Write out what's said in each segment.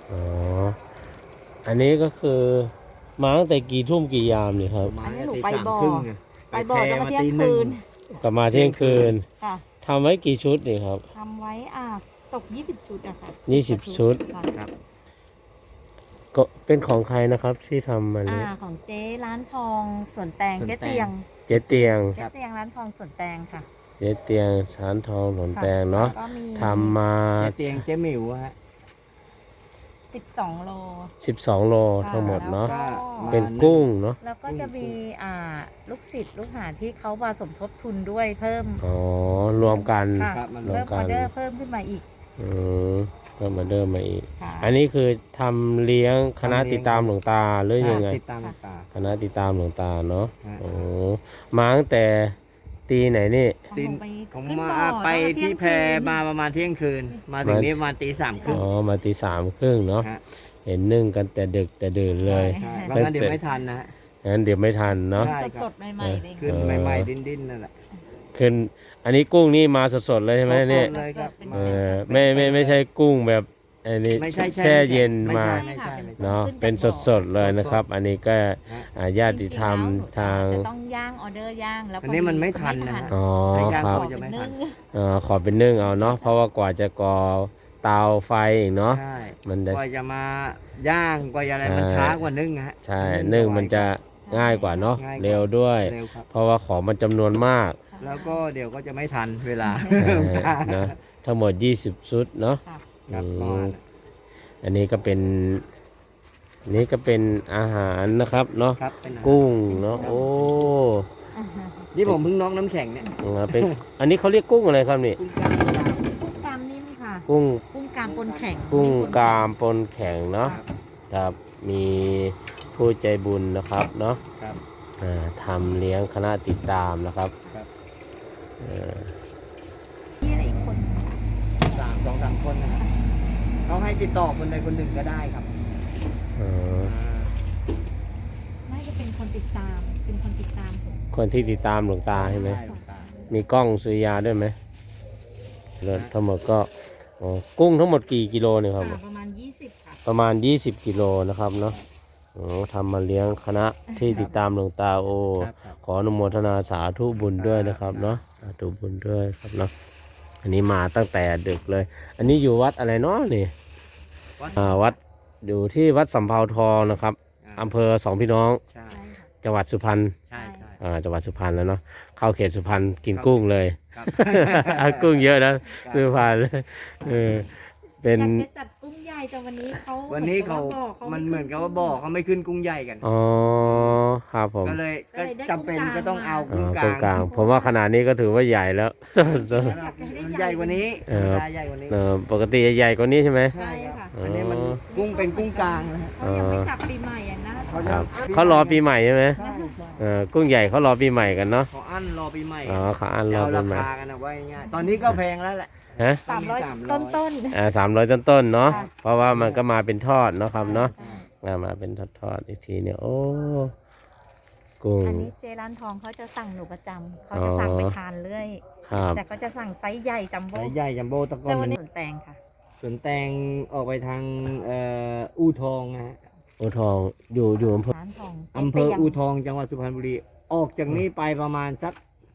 อ๋ออันนี้ก็คือมาตั้งแต่กี่ทุ่มกี่ยามเนี่ยครับมาอันนี้หนูตีไปสามบ่อครึ่งไงไปบ่อจะมาเที่ยงตีหคืนึ่นกลับมาเที่ยงคืนค่ะทำไว้กี่ชุดนี่ครับทำไว้ตก20 ชุดอะค่ะ 20 ชุดค่ะครับก็เป็นของใครนะครับที่ทำมานี้ของเจ๊ร้านทองสวนแตงสวนแตงเจ๊เตียงเจ๊เตียงเจ๊เตียงร้านทองสวนแตงค่ะเจ๊เตียงสารทองหลนค่ะแตงเนาะแล้วก็มีทำมาเจ๊เตียงเจ๊หมิวฮะ 12 โล 12 โลทั้งหมดเนาะค่ะมาเป็นกุ้งเนาะแล้วก็จะมีลูกศิษย์ลูกหาที่เขามาสมทบทุนด้วยเพิ่มอ๋อรวมกันค่ะครับมันรวเพิ่มมกัอน อเดอร์เพิ่มขึ้นมาอีกอืมก็มาเดิมมาอีกค่ะอันนี้คือทำเลี้ยงคณะติดตามหลวงตาหรือยังไงติดตามตาคณะติดตามหลวงตาเนาะฮะโอ้มาตั้งแต่ตีไหนนี่ตีนไปผมขึ้นมาบ่อไปแล้วก็ที่เยงแพคืนมาประมาณเที่ยงคืน มาถึงนี้ประมาณตีสามครึ่งอ๋อมาตี 3:30เนาะฮะเห็นนึ่งกันแต่ดึกแต่ดื่นเลยใช่เพราะงั้นเดี๋ยวไม่ทันนะฮะงั้นเดี๋ยวไม่ทันเนาะใช่ครับสดๆใหม่ๆเลยขึ้นใหม่ๆดิ้นๆนั่นแหละขึ้นอันนี้กุ้งนี่มาสดๆเลยใช่ไหมเนี่ยสดๆเลยครับเออไม่ใช่กุ้งแบบอันนี้ไม่ใช่แช่เย็นไม่มาใช่ไม่ใช่เนาะเป็นสดๆเลยนะครับ อันนี้ก็ญาติธรรมทางจะต้องย่างออเดอร์ย่างแล้วอันนี้มันไม่ทันนะฮะอ๋อใช้ย่างครับก่อนจะไม่ทันขอเป็นนึ่งเอาเนาะเพราะว่ากว่าจะก่อเตาไฟอีกเนาะใช่มันจะกว่าจะมาย่างกว่าจะอะไรมันใช่ช้ากว่านึ่งฮะใช่นึ่งมันจะง่ายกว่าเนาะง่ายกว่าเร็วด้วยเร็วครับเพราะว่าของมันจำนวนมากแล้วก็เดี๋ยวก็จะไม่ทันเวลานะทั้งหมด20ชุดเนาะครับอืประมมาณอันนี้ก็เป็นอาหารนะครับเนาะครับเป็นอาหารกุ้งเนาะโอ้นี่ผมเพิ่งน็อกน้ำแข็งเนี่ยเป็นอันนี้เขาเรียกกุ้งอะไรครับนี่กุ้งกล้ามกรามกุ้งกามนิ่มค่ะกุ้งกุ้งกามปนแข็งกุ้งกามปนแข็งเนาะครับครับมีผู้ใจบุญนะครับเนาะครับทำเลี้ยงคณะติดตามนะครับครับนี่อะไรอีกคนสองสามคนนะครับเขาให้ติดต่อคนใดคนหนึ่งก็ได้ครับเอ่อน่าจะเป็นคนติดตามเป็นคนติดตามผมคนที่ติดตามหลวงตาใช่ไหมด้หลวงตามีกล้องสุริยาด้วยไหมแล้วทั้งหมดก็อ๋อกุ้งทั้งหมดกี่กิโลเนี่ยครับประมาณ20ค่ะประมาณ20กิโลนะครับเนาะอ๋อทำมาเลี้ยงคณะที่ติดตามหลวงตาโอครับครับขออนุโมทนาสาธุบุญด้วยนะครับเนาะสาธุบุญด้วยครับเนาะอันนี้มาตั้งแต่ดึกเลย อันนี้อยู่วัดอะไรเนาะนี่วัดวัดอยู่ที่วัดสำเภาทองนะครับอำเภอสองพี่น้องใช่ใช่ค่ะจังหวัดสุพรรณใช่ใช่จังหวัดสุพรรณแล้วเนาะเข้าเขตสุพรรณกินกุ้งเลยครับกุ้งเยอะนะสุพรรณเออเป็นอยากจะจัดกุ้งใหญ่แต่วันนี้เขาวันนี้เขา มันเหมือนกับว่าบ่อเขาไม่ขึ้นกุ้งใหญ่กันอ๋อครับผมก็เลยก็จำเป็นก็ต้องเอาอ๋กุ้องกกุ้งกลาลาง งผมว่าขนาดนี้ก็ถือว่าใหญ่แล้วใหญ่กว่านี้เออใหญ่กว่านี้ปกติใหญ่กว่านี้ใช่ไหมใช่ค่ะอันนี้มันกุ้งเป็นกุ้งกลางนะฮะเขายังไม่จับปีใหม่อย่างนะเขาครับจะเขารอปีใหม่ใช่ไหมใช่ใช่กุ้งใหญ่เขารอปีใหม่กันเนาะเขาอั้นรอปีใหม่อ๋อเขาอันรอเอาปีราใหม่คากันนะว่าง่ายๆตอนนี้ก็แพงแล้วแหละฮะ 300 ต้น 300ต้นๆเนาะค่ะเพราะว่ามันก็มาเป็นทอดเนาะครับเนาะใช่มาเป็นทอดๆอีกทีเนี่ยโอ้กุ้งอันนี้เจร้านทองเขาจะสั่งหนูประจำเขาจะสั่งไปทานเรื่อยครับแต่ก็จะสั่งไซส์ใหญ่จัมโบ้สายใหญ่จัมโบ้ตะกอแต่นวันนี้นี้สวนแตงค่ะสวนแตงออกไปทางอู่ทองนะฮะโอทองอยู่อำเภอร้านทองอำเภออู่ทองจังหวัดสุพรรณบุรีออกจากนี้ไปประมาณสัก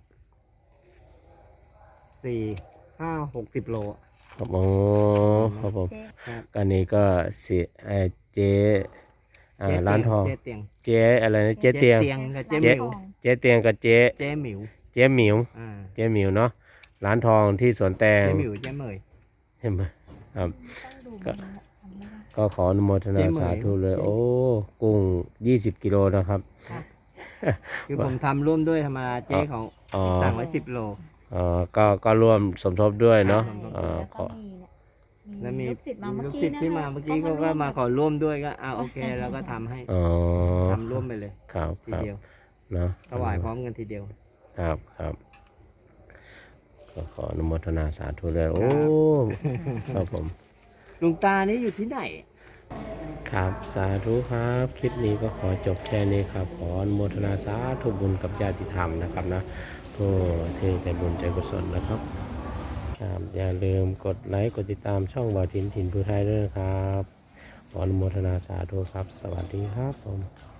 4-5-60 โลอะครับโอ้ครับผมเจ๊ครับอันนี้ก็เจ๊ร้านทองเจ๊เตียงเจ๊อะไรนะเจ๊เตียงกับเจ๊หมิวเจ๊เตียงกับเจ๊เจ๊หมิวเจ๊หมิวอ่าเจ๊หมิวเนาะร้านทองที่สวนแตงเจ๊หมิวเจ๊เหมยเห็นไหมครับต้องดูมันนะจำไม่ได้ก็ขออนุโมทนาเจ๊เหมยสาธุเลย โอ้กุ้ง20กิโลนะครับค่ะคือผมทำร่วมด้วยธรรมดาเจ๊เขาอ๋อสั่งไว้10 โลก็ร่วมสมทบด้วยเนาะครับแล้วขก็อแล้วมีลูกศิษย์มาเมื่อลูกกี้ศิษย์ที่มาเมื่อกี้เขาก็มาขอร่วมด้วยก็โอเคแล้วก็ทำให้อ๋อทำร่วมไปเลยครับทีครับเดียวเนาะถวายพร้อมกันทีเดียวครับครับก็ขออนุโมทนาสาธุเลยโอ้ครับผมลุงตานี่อยู่ที่ไหนครับสาธุครับ คลิปนี้ก็ขอจบแค่นี้ครับ ขออนุโมทนาสาธุบุญกับญาติธรรมนะครับนะผู้ที่ใจบุญใจกุศลนะครับครับอย่าลืมกดไลค์กดติดตามช่องบ่าวถิ่นถิ่นภูไทยด้วยนะครับขออนุโมทนาสาธุครับ สวัสดีครับผม